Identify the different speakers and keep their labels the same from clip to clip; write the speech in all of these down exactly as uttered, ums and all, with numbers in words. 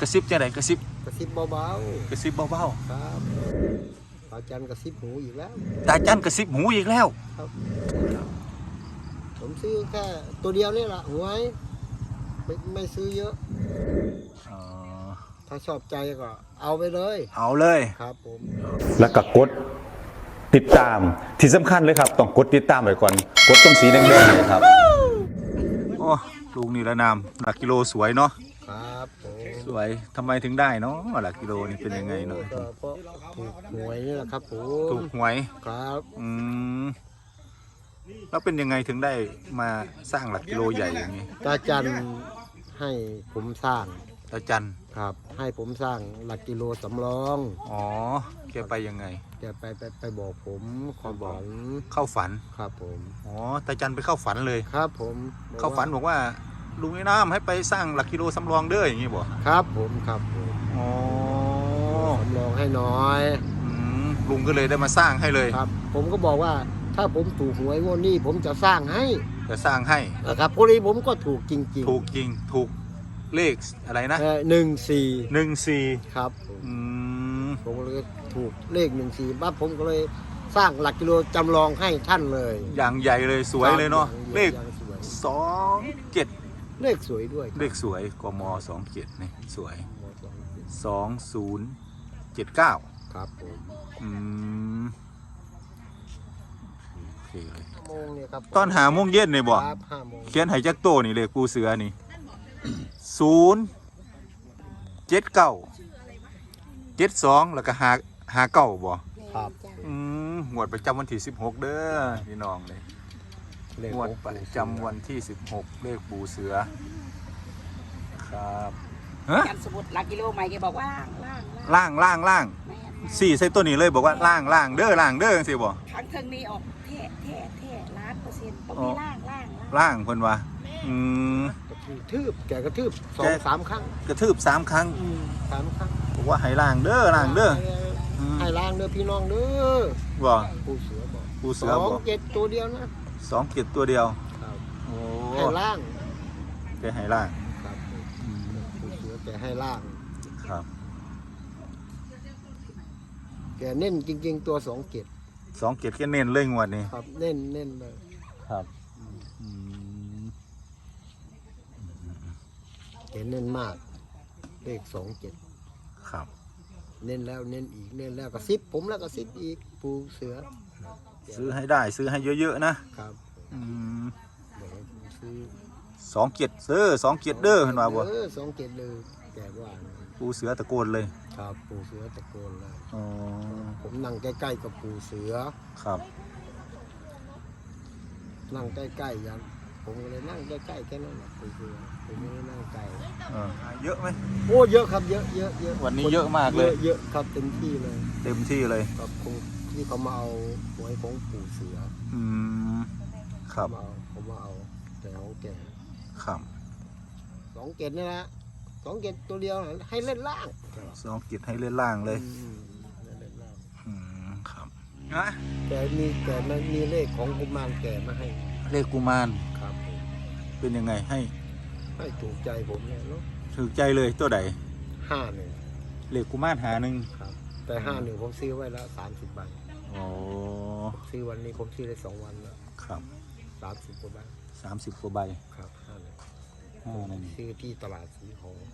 Speaker 1: ระซิบจังไดกระซิบ
Speaker 2: กระซิบเบา
Speaker 1: ๆกระซิบเบา
Speaker 2: ๆครับตาจันกระซิบหูอีกแล้ว
Speaker 1: ๆตาจันกระซิบหูอีกแล้ว
Speaker 2: ครับผมซื้อแค่ตัวเดียวนี่แหละหวยไม่ไม่ซื้อเยอะ
Speaker 1: อ๋อ
Speaker 2: ถ้าชอบใจก็เอาไปเลย
Speaker 1: เอาเลย
Speaker 2: ครับผม
Speaker 3: แล้วก็กดติดตามที่สำคัญเลยครับต้องกดติดตามไว้ก่อนกดตรงสีแดงๆเลยครับ
Speaker 1: โอ้ลูกนี่ละนามหลักกิโลสวยเนาะ
Speaker 2: ครับ
Speaker 1: สวยทำไมถึงได้เนาะหลักกิโลนี่เป็นยังไงเนาะ
Speaker 2: ก็เพราะถูกหวยนี่แหละครับผม
Speaker 1: ถูกหวย
Speaker 2: ครับ
Speaker 1: อืมแล้วเป็นยังไงถึงได้มาสร้างหลักกิโลใหญ่อย่างนี้
Speaker 2: ตาจันให้ผมสร้าง
Speaker 1: ตาจัน
Speaker 2: ครับให้ผมสร้างหลักกิโลสำรอง
Speaker 1: อ๋อแกไปยังไง
Speaker 2: แกไปไปไปบอกผมความฝัน
Speaker 1: เข้าฝัน
Speaker 2: ครับผม
Speaker 1: อ๋อตาจันไปเข้าฝันเลย
Speaker 2: ครับผม
Speaker 1: เข้าฝันบอกว่าลุงไอ้น้ำให้ไปสร้างหลักกิโลสำรองเด้ออย่างนี้บอก
Speaker 2: ครับผมครับผม
Speaker 1: อ๋อ
Speaker 2: สำรองให้น้อย
Speaker 1: อืมลุงก็เลยได้มาสร้างให้เลย
Speaker 2: ครับผมก็บอกว่าถ้าผมถูกหวยงวดนี้ผมจะสร้างให้
Speaker 1: จะสร้างให้
Speaker 2: นะครับพอดีผมก็ถูกจริง
Speaker 1: ๆถูกจริงถูกเลขอะไรนะ
Speaker 2: หนึ่งสี่
Speaker 1: หนึ่งสี่
Speaker 2: ครับ
Speaker 1: อืม
Speaker 2: ผมเลยถูกเลขหนึ่งสี่ปั๊บผมก็เลยสร้างหลักกิโลจำลองให้ท่านเลย
Speaker 1: อย่างใหญ่เลยสวยเลยเนาะเลขสองเจ็ด
Speaker 2: เลขสวยด้วย
Speaker 1: เลขสวยกมสองเจ็ดนี่สวยสองศูนย์เจ็ดเก้า
Speaker 2: ครับผม
Speaker 1: อืมโอเคเลยตอนหาโมงเย็นเนี่ยบอกเขียนไหจักโตนี่เลยกูเสือนี่ศูนย์เจ็ดเก้าเจ็ดสองแล้วก็หาหาเก้าบ่
Speaker 2: ครับ
Speaker 1: อืมงวดประจำวันที่สิบหกเด้อพี่น้องเลยงวดประจำวันที่สิบหกเลขปูเสือครับ
Speaker 4: ฮะสมุดหลักกิโลใหม่แกบอกว่า
Speaker 1: ล่างล่างล่างสี่ใส่ตัวนี้เลยบอกว่าล่างล่างเด้อล่างเด้อสิบ่
Speaker 4: ครั้งเทิงนี้ออกแท้แท้แท้ล้านเปอร์เซ็นต์ต้องมีล่างล่าง
Speaker 1: ล่างเพิ่นว่าอืม
Speaker 2: กระทืบแกกระทืบสองสามครั้ง
Speaker 1: กระทืบสามครั้ง
Speaker 2: สามครั้ง
Speaker 1: บอกว่าให้ล่างเด้อล่างเด้อ
Speaker 2: ให้ล่างเด้อพี่น้องเด้อ
Speaker 1: บ่
Speaker 2: ปูเสือบอก
Speaker 1: ปูเสือบอก
Speaker 2: สองเจ็ดตัวเดียวนะ
Speaker 1: สองเจ็ดตัวเดียว
Speaker 2: โอ้ให้ล่าง
Speaker 1: แกให้ล่าง
Speaker 2: ครับปูเสือแกให้ล่าง
Speaker 1: ครับ
Speaker 2: แกเน้นจริงๆตัวสองเจ็ด
Speaker 1: สองเจ็ดแกเน้นเลยงวดนี้
Speaker 2: ครับเน้นเน้นเลย
Speaker 1: ครับ
Speaker 2: แกเน้นมากเลขสองเจ็ด
Speaker 1: ครับ
Speaker 2: เน้นแล้วเน้นอีกเน้นแล้วก็ซิปผมแล้วก็ซิปอีกปูเสือ
Speaker 1: ซื้อให้ได้ซื้อให้เยอะๆนะครับอืมสองเจ็ดซื้อสองเจ็ดเด้อเห็นป่าวบ่
Speaker 2: เออสองเจ็ดเลยแกว่า
Speaker 1: ปูเสือตะโกนเลย
Speaker 2: ครับปูเสือตะโกนเลย
Speaker 1: อ๋อ
Speaker 2: ผมนั่งใกล้ๆกับปูเสือ
Speaker 1: ครับ
Speaker 2: นั่งใกล้ๆยันผมเลยนั่งใกล้ๆแค่นั้นแหละปูเสือผมไม่ได้นั่งไกล
Speaker 1: เยอะไหม
Speaker 2: โอ้เยอะครับเยอะเยอะเยอะ
Speaker 1: วันนี้เยอะมากเลย
Speaker 2: เยอะครับเต็มที่เลย
Speaker 1: เต็มที่เลย
Speaker 2: ครับคงที่เขามาเอาหวยของปูเสือ
Speaker 1: อืมครับ
Speaker 2: เขามาเอาแต่ของแก
Speaker 1: ครับ
Speaker 2: สองเกตนี่นะสองเกตตัวเดียวให้เล่นล่าง
Speaker 1: สองเกตให้เล่นล่างเลยอืมครับนะ
Speaker 2: แกมีแกมันมีเลขของกุมารแกมาให้
Speaker 1: เลขกุมาร
Speaker 2: ครับ
Speaker 1: เป็นยังไงให้
Speaker 2: ให้ถูกใจผมเลยเนาะ
Speaker 1: ถูกใจเลยตัวใด
Speaker 2: ห้าหนึ่ง
Speaker 1: เลขกุมารหาหนึ่ง
Speaker 2: ครับแต่ห้าหนึ่งผมซื้อไว้แล้วสามสิบใบ
Speaker 1: โอ้
Speaker 2: ซื้อวันนี้ผมซื้อได้สองวันแล้ว
Speaker 1: ครับ
Speaker 2: สามสิบกว่าใบ
Speaker 1: สามสิบกว่าใบ
Speaker 2: ครับห้าหนึ่ง
Speaker 1: ห้าหนึ่ง
Speaker 2: ซื้อที่ตลาดสีหง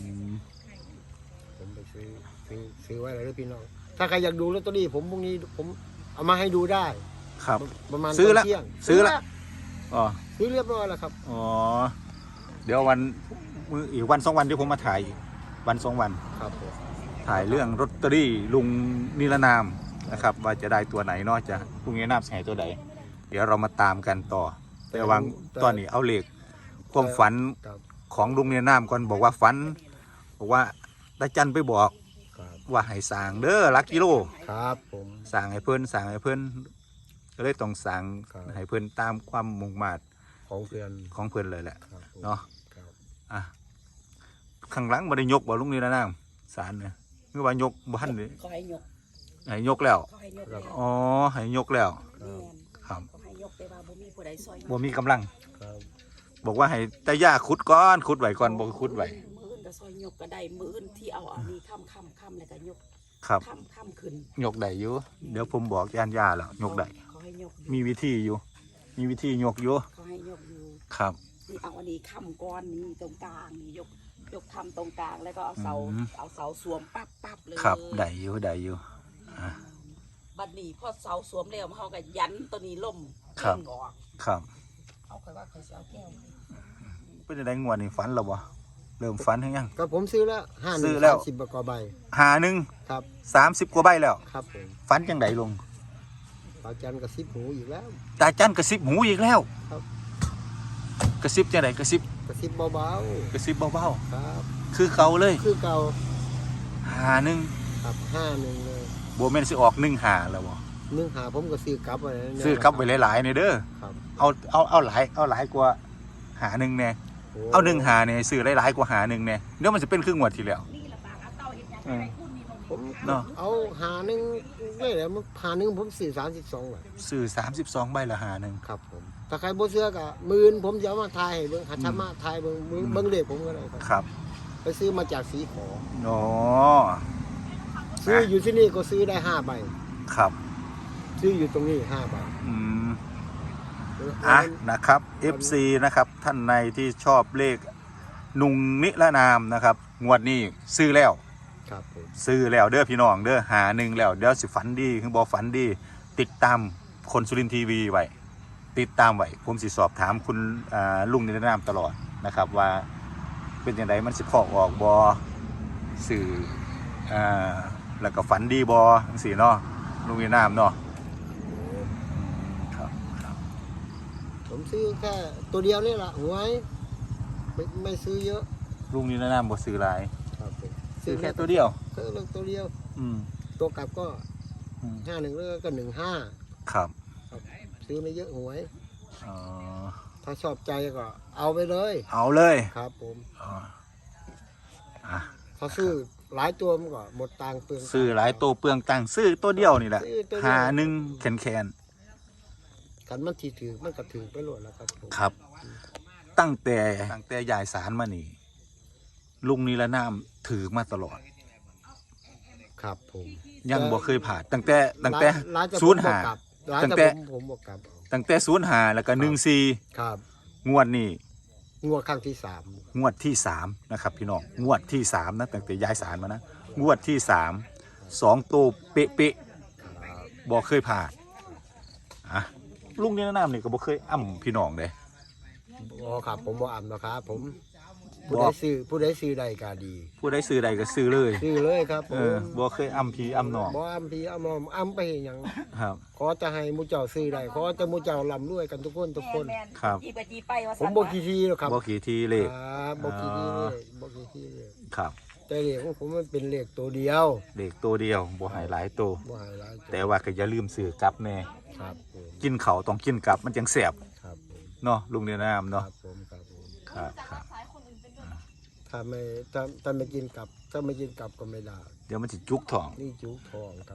Speaker 2: ผมไปซื้อซื้อซื้อไว้เลยพี่น้องถ้าใครอยากดูลอตเตอรี่ผมพรุ่งนี้ผมเอามาให้ดูได้
Speaker 1: ครับ
Speaker 2: ประมาณ
Speaker 1: ซื้อแล้วซื้อแล้วอ๋อ
Speaker 2: ซื้อเรียบร้อยแล้วครับ
Speaker 1: อ๋อเดี๋ยววันมืออีกวันสองวันเดี๋ยวผมมาถ่ายวันสองวัน
Speaker 2: ครับ
Speaker 1: ถ่ายเรื่องลอตเตอรี่ลุงนิรนามนะครับว่าจะได้ตัวไหนเนาะจะลุงนิรนามใส่ตัวไหนเดี๋ยวเรามาตามกันต่อแต่วางตอนนี้เอาเลขความฝันของลุงนิรนามก่อนบอกว่าฝันบอกว่าตาจันไปบอกว่าให้สั่งเด้อลักกิโล
Speaker 2: ครับผม
Speaker 1: สั่งให้เพื่อนสั่งให้เพื่อนก็เลยต้องสั่งให้เพื่อนตามความมุ่งมั่น
Speaker 2: ของเพื่อน
Speaker 1: ของเพื่อนเลยแหละเนาะอ่ะข้างหลังบ่ได้ยกบ่ลุงนี่นะน้ำสารเนี่ยเมื่อวานยกบ้านเลย
Speaker 4: ให้ยก
Speaker 1: ให้ยกแล้วอ๋อให้ยกแล้วครับบ่มีกำลังบอกว่าให้ตาย่าขุดก้อนขุดไหวก่อนบอกขุดไหว
Speaker 4: ก็ซอยยกก็ได้มืออื่นที่เอาอันนี้ค่ำค่ำค่ำแล้วก็ยก
Speaker 1: ครับ
Speaker 4: ค่ำค่ำขึ้น
Speaker 1: ยกได้อยู่เดี๋ยวผมบอกยานยาแล้วยกได้
Speaker 4: เขาให้ยกอยู่
Speaker 1: มีวิธีอยู่ มีวิธียกอยู่
Speaker 4: เขาให้ยกอยู่
Speaker 1: ครับ
Speaker 4: นี่เอาอันนี้ค่ำก้อนนี้ตรงกลางนี่ยกยกค่ำตรงกลางแล้วก็เอาเสา
Speaker 1: อืม
Speaker 4: เอาเสาสวมปั๊บปั๊บเลย
Speaker 1: ครับได้อยู่ได้อยู่อ่ะ
Speaker 4: บัดนี้พอเสาสวมแล้วเขาก็ยันตัวนี้ล่ม
Speaker 1: ครับ
Speaker 4: เก่งออก
Speaker 1: ครับ
Speaker 4: เขาเคยว่าเคยเอาแก้ว
Speaker 1: เป็นจังไดงวดนี่ฝันแล้วบ่เริ่มฝันหรือยัง
Speaker 2: ก็ผมซื้อแล้วห้าห
Speaker 1: ซื้
Speaker 2: นึ่ง
Speaker 1: อแล้ว
Speaker 2: สามสิบกว่าใบ
Speaker 1: หาหนึ่ง
Speaker 2: ครับ
Speaker 1: สามสิบกว่าใบแล้ว
Speaker 2: ครับผม
Speaker 1: ฝันจังไดลง
Speaker 2: ตาจันกระซิบหูอีกแล้ว
Speaker 1: ตาจันกระซิบหูอีกแล้ว
Speaker 2: ครับ
Speaker 1: กระซิบจังไดกระซิบ
Speaker 2: กระซิบเบาก
Speaker 1: ระซิบเบา
Speaker 2: ๆครับ
Speaker 1: ๆคือเขาเลย
Speaker 2: คือเก่า
Speaker 1: หาหนึ่ง
Speaker 2: ครับห้าหนึ่งเลย
Speaker 1: บ่แม่นสิออกหนึ่งหาแล้วบ่
Speaker 2: เนื้อหาผมก็ซื้อกลับไว้นะ
Speaker 1: ซื้อกลับไว้หลายๆนี่เด้อ
Speaker 2: ครับ
Speaker 1: เอาเอาเอาหลายเอาหลายกว่าหาหนึ่งแน่เอาหนึ่งหาเนี่ยซื้อหลายๆกว่าหาหนึ่งแน่เดี๋ยวมันจะเป็นครึ่งงวดที่แล้ว
Speaker 4: นี่ละบางเอาเตาเห็นยังไงคุณนี่
Speaker 2: ผม
Speaker 1: เนาะ
Speaker 2: เอาหาหนึ่งเลยแหละมันหาหนึ่งผมซื้อสามสิบสองบาท
Speaker 1: ซื้อสามสิบสองใบละหาหนึ่ง
Speaker 2: ครับผมถ้าใครบ่เสื้อกะหมื่นผมจะเอามาทายให้เบิ่งหัดชะมาทายเบิ่งเบิ่งเบิ่งเลขผมก็ได้ครับ
Speaker 1: ครับ
Speaker 2: ไปซื้อมาจากสีขอ
Speaker 1: อ๋อ
Speaker 2: ซื้ออยู่ที่นี่ก็ซื้อได้ห้าใบ
Speaker 1: ครับ
Speaker 2: ซื้ออยู่ตรงนี้ห้าใบ
Speaker 1: อืมอ่ะนะครับ เอฟ ซี นะครับท่านในที่ชอบเลขนุงนิรนามนะครับงวดนี้ซื้อแล้ว
Speaker 2: ครับผม
Speaker 1: ซื้อแล้วเด้อพี่น้องเด้อหาหนึ่งแล้วเดี๋ยวสิฝันดีคือบอฝันดี ติดตามคนสุรินทร์ทีวีไว้ติดตามไว้ผมสิสอบถามคุณอ่าลุงนิรนามตลอดนะครับว่าเป็นอย่างไรมันสิพอกออกบอสื่ออ่าแล้วก็ฝันดีบอจังซี่เนาะลุงนิรนามเนาะครับครับ
Speaker 2: ผมซื้อแค่ตัวเดียวนี่แหละหวยไม่ไม่ซื้อเยอะ
Speaker 1: ลุงนิรนามบ่ซื้อหลาย
Speaker 2: ครับผม
Speaker 1: ซื้อแค่ตัวเดียว
Speaker 2: ซื้อเลือกตัวเดียว
Speaker 1: อืม
Speaker 2: ตัวกลับก็
Speaker 1: อืม
Speaker 2: ห้าหนึ่งแล้วก็หนึ่งห้า
Speaker 1: ครับ
Speaker 2: ซื้อไม่เยอะหวย
Speaker 1: อ๋อ
Speaker 2: ถ้าชอบใจก็เอาไปเลย
Speaker 1: เอาเลย
Speaker 2: ครับผม
Speaker 1: อ๋ออ่ะ
Speaker 2: ถ้าซื้อหลายตัวมันก็หมดตังค์เปลือง
Speaker 1: ซื้อหลายตัวเปลืองตังค์ซื้อตัวเดียวนี่แหละ
Speaker 2: ซื้อตัวเดียว
Speaker 1: หาหนึ่งแขนแขน
Speaker 2: กันมันทีถือมันก็ถือไปหมดแล้วครับผม
Speaker 1: ครับ ตั้งแต่ตั้งแต่ยายสารมานี่ ลุงนิรนามถือมาตลอด
Speaker 2: ครับผม
Speaker 1: ยังบ่เคยผ่านตั้งแต่ตั้งแต่
Speaker 2: ร้านจะ
Speaker 1: ศูนย์หา
Speaker 2: ร้าน
Speaker 1: ตั้ง
Speaker 2: จะ
Speaker 1: แต่
Speaker 2: ผมผมบอกกลับเอา
Speaker 1: ตั้งแต่ศูนย์หาแล้วก็หนึ่งสี่
Speaker 2: ครับ
Speaker 1: งวดนี้
Speaker 2: งวดครั้งที่สาม
Speaker 1: งวดที่สามนะครับพี่น้องงวดที่สามนะตั้งแต่ยายสารมานะงวดที่สามสองตัวเป๊ะเป๊ะ
Speaker 2: ครับ
Speaker 1: ๆบ่เคยผ่านอ่ะลุงนิรนามนี่ก็บ่เคยอ้ำพี่น้องเลย
Speaker 2: อ๋อครับผมบอกอ่านนะครับผม
Speaker 1: บ
Speaker 2: ผู้
Speaker 1: อก
Speaker 2: ใดซื้อผู้ใดซื้อใดก็ดี
Speaker 1: ผู้ใดซื้อใดก็ซื้อเลย
Speaker 2: ซื้อเลยครับผ
Speaker 1: เอ
Speaker 2: ม
Speaker 1: อบ่เคยอ้ำพี่อ้ำน้อง
Speaker 2: บ่อ้ำพี่อ้ำมอมอ้ำไปเฮ็ดหยัง
Speaker 1: ครับ
Speaker 2: ขอจะให้หมูเจ้าซื้อได้ขอจะหมูเจ้าร่ำรวยกันทุกคนทุกคน
Speaker 4: แม่น
Speaker 1: ครับ
Speaker 4: จีไปจีไปว่า
Speaker 2: ผมบอกกี่ทีแล้วครับ
Speaker 1: บ่ขี่ทีเลข
Speaker 2: ครับบอกกี่ทีเลยบอกกี่ทีเลย
Speaker 1: ครับ
Speaker 2: แต่เลขของผมมันเป็นเลขตัวเดียว
Speaker 1: เลขตัวเดียวบ่ให้หลายตัว
Speaker 2: บ่ให้หลายตัว
Speaker 1: แต่ว่าก็อย่าลืมซื้อกลับแน่
Speaker 2: ครับผม
Speaker 1: กินเขาวต้องกินกลับมันจังแซ่บ
Speaker 2: ครับผม
Speaker 1: เนาะลุงเนียนาม
Speaker 2: ค
Speaker 1: เนาะ
Speaker 2: รับผมครับผม
Speaker 1: ครับครับ
Speaker 2: ถ้าไม่ถ้าถ้าไม่กินกลับ ถ้าไม่กินกลับก็ไม่ได้
Speaker 1: เดี๋ยวมันสิจุกท้อง
Speaker 2: นี่จุกทองครับ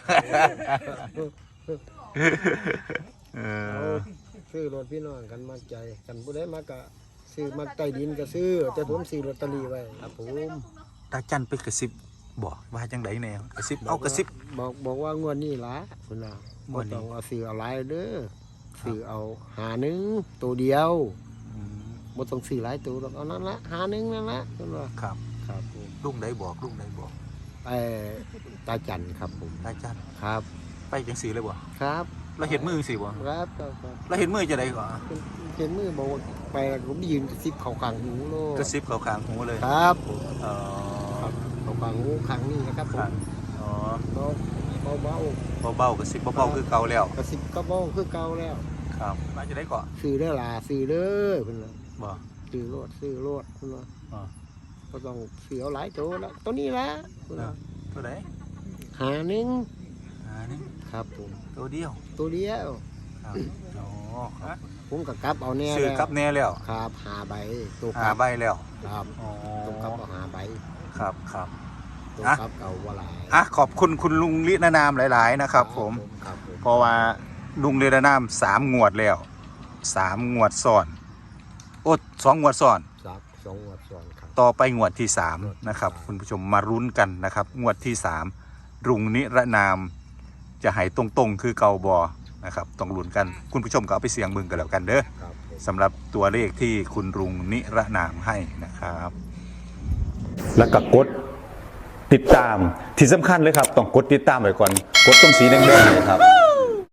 Speaker 1: เอ
Speaker 2: เอา
Speaker 1: อ
Speaker 2: ซื้อรถพี่น้องกันมาใจกันผู้ใดมากะซื้อมาใต้ดินก็ซื้อ แต่ผมซื้อลอตเตอรี่ไว้ครับผม
Speaker 1: ตาจันไปกระซิบบอกว่าจังไดแนวกระซิบเอากระซิบ
Speaker 2: บอกบอกว่างวดนี้ล่ะคุณน่ะ
Speaker 1: ง
Speaker 2: บ่
Speaker 1: วดนี้
Speaker 2: ต้องเอาซื้อเอาหลายเด้อซื้อเอาหาหนึ่งตัวเดียว
Speaker 1: อืม
Speaker 2: บ่ต้องซื้อหลายตัวหรอกเอานั่นละหาหนึ่งนั่นละคุณว่า
Speaker 1: ครับ
Speaker 2: ครับผม
Speaker 1: ลุงใดบอกลุงใดบอก
Speaker 2: ไอ้ตาจันครับผม
Speaker 1: ตาจัน
Speaker 2: ครับ
Speaker 1: ไปจังสีเลยบ่
Speaker 2: ครับ
Speaker 1: เราเห็นมือสิบ่
Speaker 2: ครับครับครับ
Speaker 1: เราเห็นมือจะไดก่อน
Speaker 2: เห็นมือบอกว่าไปแล้วผมยืนกระซิบเข่าขางหูโล
Speaker 1: กระซิบเขาข้างหูเลย
Speaker 2: ครับผม
Speaker 1: เอ๋อ
Speaker 2: ครับเข่าขางหูขางนี้นะครับผ
Speaker 1: ข้าง
Speaker 2: ม
Speaker 1: อ๋อ
Speaker 2: เบาเบาเบา
Speaker 1: เบาๆกระซิบเบาๆคือเก่าแล้ว
Speaker 2: กระซิบก็เบาคือเก่าแล้ว
Speaker 1: ครับมาจะได้ก่อน
Speaker 2: ซื้อเด้อล่ะซื้อเด้อเพิ่นว่า
Speaker 1: บ่
Speaker 2: ซื้อโลดซื้อโลดเพิ่นว่า
Speaker 1: อ๋อ
Speaker 2: ก็ต้องซื้อเอาหลายตัวแล้วตัวนี้ละเพิ่นว่า
Speaker 1: ตัวไหน
Speaker 2: หาหนึ่ง
Speaker 1: อ่านี่
Speaker 2: ครับผม
Speaker 1: ตัวเดียว
Speaker 2: ตัวเดียว
Speaker 1: ครับอ๋อครับ
Speaker 2: ผมก็กลับเอาแน่
Speaker 1: ซื้อ
Speaker 2: แล้ว
Speaker 1: กับแน่แล้ว
Speaker 2: ครับหาใบตัวก
Speaker 1: หา
Speaker 2: ลับ
Speaker 1: ใบแล้ว
Speaker 2: ครับ
Speaker 1: อ๋อ
Speaker 2: ตัวกลับเอาหาใบ
Speaker 1: ครับครับ
Speaker 2: ตัว
Speaker 1: อ่ะ
Speaker 2: กลับเอาว่าหลาย
Speaker 1: อ่ะขอบคุณคุณลุงลินานามหลาย ๆ นะครับ ผม
Speaker 2: ครับผม
Speaker 1: เพราะว่าลุงลินานามสามงวดแล้วสามงวดซ้อนโอ้สองงวดซ้อน
Speaker 2: สักสองงวดซ้อนครับ
Speaker 1: ต่อไปงวดที่สามนะครับคุณผู้ชมมารุ้นกันนะครับงวดที่สามรุงนิรนามจะหายตรงๆคือเกาบอนะครับต้องลุ้นกันคุณผู้ชมก็เอาไปเสี่ยงมึงกันแล้วกันเด้อ
Speaker 2: ครับผม
Speaker 1: สำหรับตัวเลขที่คุณรุงนิรนามให้นะครับ
Speaker 3: แล้วก็กดติดตามที่สำคัญเลยครับต้องกดติดตามไว้ก่อนกดตรงสีแดงๆเนี่ยครับ